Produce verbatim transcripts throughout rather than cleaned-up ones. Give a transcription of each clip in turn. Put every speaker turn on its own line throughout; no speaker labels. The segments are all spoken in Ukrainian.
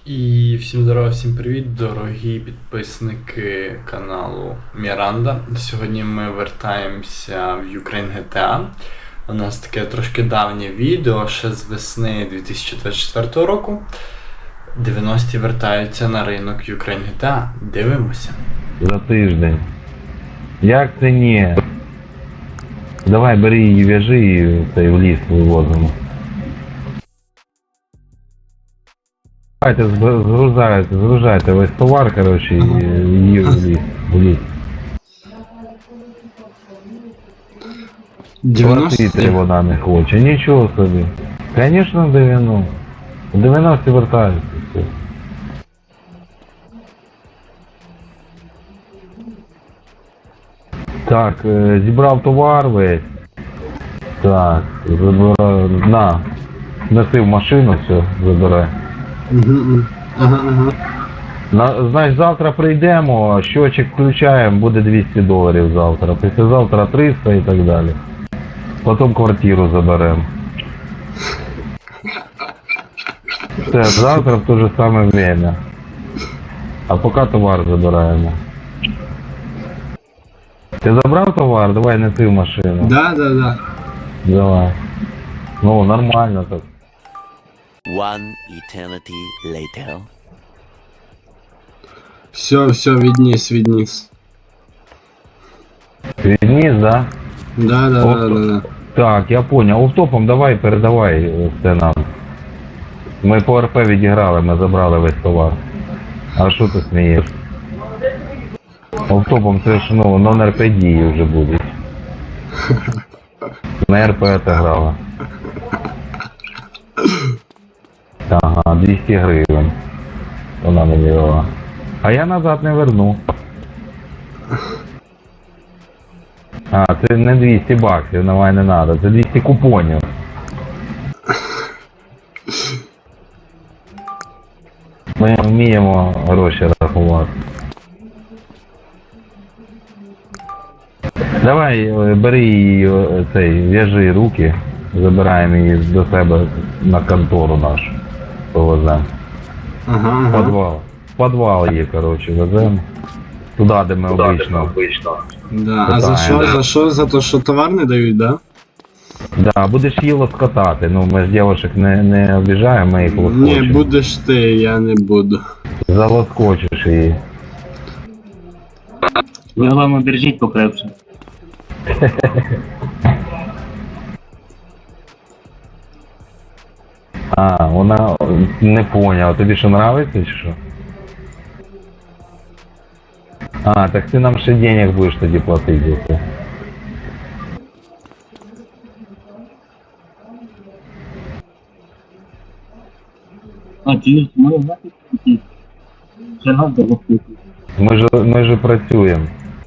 І всім здорова, всім привіт, дорогі підписники каналу Міранда. Сьогодні ми вертаємося в Ukraine джі ті ей. У нас таке трошки давнє відео, ще з весни дві тисячі двадцять четвертого року. дев'яності вертаються на ринок Ukraine джі ті ей. Дивимося.
За тиждень. Як це ні? Давай бери її, в'яжи і цей в ліс вивозимо. Давайте згружайте, згружайте весь товар, коротше, і її в ліс. В ліс. Платити вона не хоче, нічого собі. Звісно, дев'яносто. дев'яносто вертаються. Все. Так, зібрав товар весь. Так, забираю, на, неси в машину, все, забирай.
Угу, ага, ага.
На, значить, завтра прийдемо, щочик включаємо, буде двісті доларів завтра. Післязавтра триста і так далі. Потім квартиру заберемо. Все, завтра в те же саме время. А поки товар забираємо. Ти забрав товар? Давай неси в машину.
Да, да, да.
Давай. Ну, нормально так.
One eternity later.
Все, все, відніс, відніс.
Відніс, да?
Да, да,
Оп.
да, да, да.
Так, я понял. Офтопом давай, передавай все нам. Ми по РП відіграли, ми забрали весь товар. А що ти смієш? Офтопом це ж, ну, нон-РП дії вже будуть. На РП це грала. Ага, двісті гривень. Вона мені дала. А я назад не верну. А, це не двісті баксів, давай не треба, це двісті купонів. Ми вміємо гроші рахувати. Давай, бери її, цей, в'яжи руки, забираємо її до себе на контору нашу. Повеземо.
Ага,
В
ага.
підвал. В підвал її, коротше, веземо. Туди, де ми обично.
Да. А за що, за що? За те, що товар не дають, да?
Да, будеш її лоскотати. Ну, ми ж дівчаток не, не обіжаємо, ми їх
Ні,
лоскочимо.
будеш ти, я не буду.
Залоскочиш її.
Ви головне держіть покрепше.
А, вона не поняла. Тобі що нравиться чи що? А, так ти нам ще денег будеш тоді платити за це.
А ті, ми знаєте, такі. Ще нам допустити.
Ми ж, ми ж працюємо.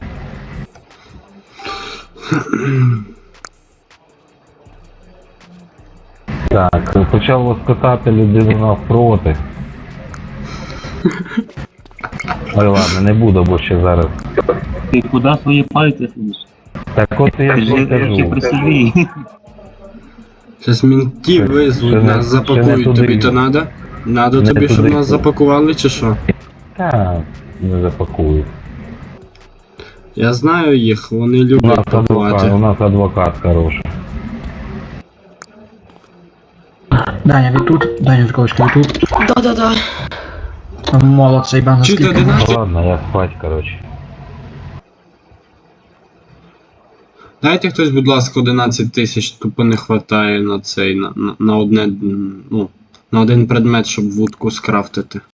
Так, почав лоскотати людину навпроти. Ой, ладно, не буду, бо ще зараз.
Ти куди свої пальці сидиш?
Так от я ж
Держи руки при
кажу.
собі.
Щас ментів
Ще-
визвуть,
ще не-
нас
ще не
запакують.
туди.
Тобі то надо? Надо
Не
тобі, щоб
туди.
нас запакували, чи що?
Так, не запакую.
Я знаю їх, вони
У нас
люблять
адвокат, у
пакувати.
нас адвокат хороший.
Даня, ви тут? Даня Жуковський, ви тут?
Да-да-да.
Молодцей, бан
Чи ти
скільки?
одинадцять?
Ладно, я спать, короче.
Дайте хтось, будь ласка, одинадцять тисяч, тупо не хватає на цей, на, на, на одне, м, ну, на один предмет, щоб вудку скрафтити.